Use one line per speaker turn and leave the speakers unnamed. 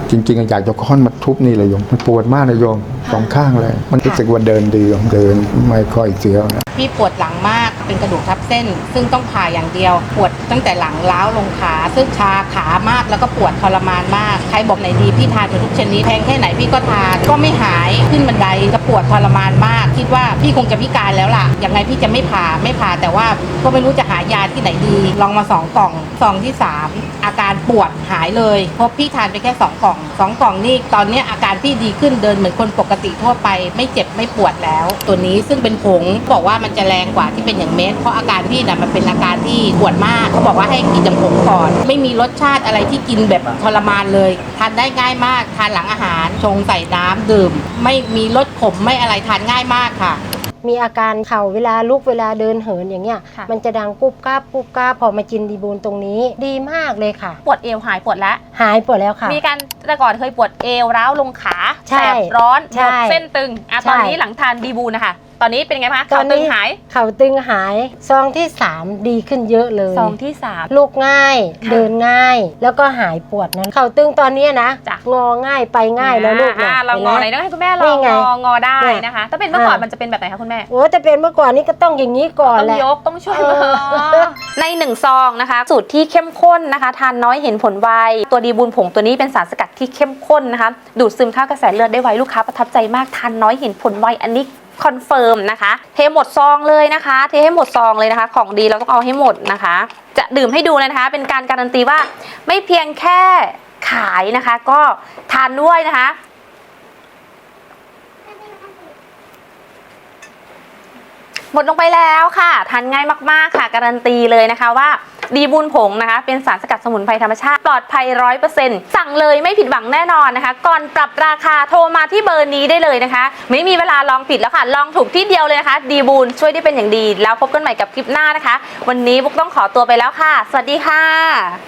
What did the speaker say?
จริงๆอยากจะค้อนมาทุบนี่เลยโยมมันปวดมากนะโยมสองข้างเลยมันรู้สึกว่าเดินดีเดินไม่ค่อยเสียวนะ
พี่ปวดหลังมากเป็นกระดูกทับเส้นซึ่งต้องผ่าอย่างเดียวปวดตั้งแต่หลังล้าวลงขาซึ่งชาขามากแล้วก็ปวดทรมานมากใครบอกไหนดีพี่ทานทุกชนิดแพงแค่ไหนพี่ก็ทานก็ไม่หายขึ้นบันไดก็ปวดทรมานมากคิดว่าพี่คงจะพิการแล้วล่ะยังไงพี่จะไม่ผ่าแต่ว่าก็ไม่รู้จะหายาที่ไหนดีลองมา2 กล่องซองที่3อาการปวดหายเลยเพราะพี่ทานไปแค่2 กล่อง2 กล่องนี่ตอนนี้อาการพี่ดีขึ้นเดินเหมือนคนปกติทั่วไปไม่เจ็บไม่ปวดแล้วตัวนี้ซึ่งเป็นผงบอกว่ามันจะแรงกว่าที่เป็นอย่างเม็ดเพราะอาการพี่น่ะมันเป็นอาการที่ปวดมากเขาบอกว่าให้กินจากผงก่อนไม่มีรสชาติอะไรที่กินแบบทรมานเลยทานได้ง่ายมากทานหลังอาหารชงใส่น้ำดื่มไม่มีรสขมไม่อะไรทานง่ายมากค่ะ
มีอาการเข่าเวลาลุกเวลาเดินเหินอย่างเงี้ยมันจะดังกุบกาบกุบกาบพอมากินดีบูลตรงนี้ดีมากเลยค่ะ
ปวดเอวหายปวดแล้วค่ะมีการแต่ก่อนเคยปวดเอวร้าวลงขาแสบร้อนปวดเส้นตึงตอนนี้หลังทานดีบูลนะคะตอนนี้เป็นไงคะเข่าตึงหาย
ซองที่3ดีขึ้นเยอะเลย
ซองที่3
ลุกง่ายเดินง่ายแล้วก็หายปวดนั้นเข่าตึงตอนนี้นะงอง่ายไปง่ายแล้วลูกเนี่ย
เรางอไหนต้องให้คุณแม่ลองงอได้นะคะถ้าเป็นเมื่อก่อนมันจะเป็นแบบไหนคะคุณแม่
โอ้แต่เป็นเมื่อก่อนนี้ก็ต้องอย่างนี้ก่อนแหละ
ต้องยกต้องช่วยใน1 ซองนะคะสูตรที่เข้มข้นนะคะทานน้อยเห็นผลไวตัวดีบูลผงตัวนี้เป็นสารสกัดที่เข้มข้นนะคะดูดซึมเข้ากระแสเลือดได้ไวลูกค้าประทับใจมากทานน้อยเห็นผลไวอันนี้คอนเฟิร์มนะคะเทหมดซองเลยนะคะเทให้หมดซองเลยนะคะของดีเราต้องเอาให้หมดนะคะจะดื่มให้ดูเลยนะคะเป็นการการันตีว่าไม่เพียงแค่ขายนะคะก็ทานด้วยนะคะหมดลงไปแล้วค่ะทานง่ายมากๆค่ะการันตีเลยนะคะว่าดีบูลผงนะคะเป็นสารสกัดสมุนไพรธรรมชาติปลอดภัย 100% สั่งเลยไม่ผิดหวังแน่นอนนะคะก่อนปรับราคาโทรมาที่เบอร์นี้ได้เลยนะคะไม่มีเวลาลองผิดแล้วค่ะลองถูกที่เดียวเลยนะคะดีบูลช่วยได้เป็นอย่างดีแล้วพบกันใหม่กับคลิปหน้านะคะวันนี้บุ๊กต้องขอตัวไปแล้วค่ะสวัสดีค่ะ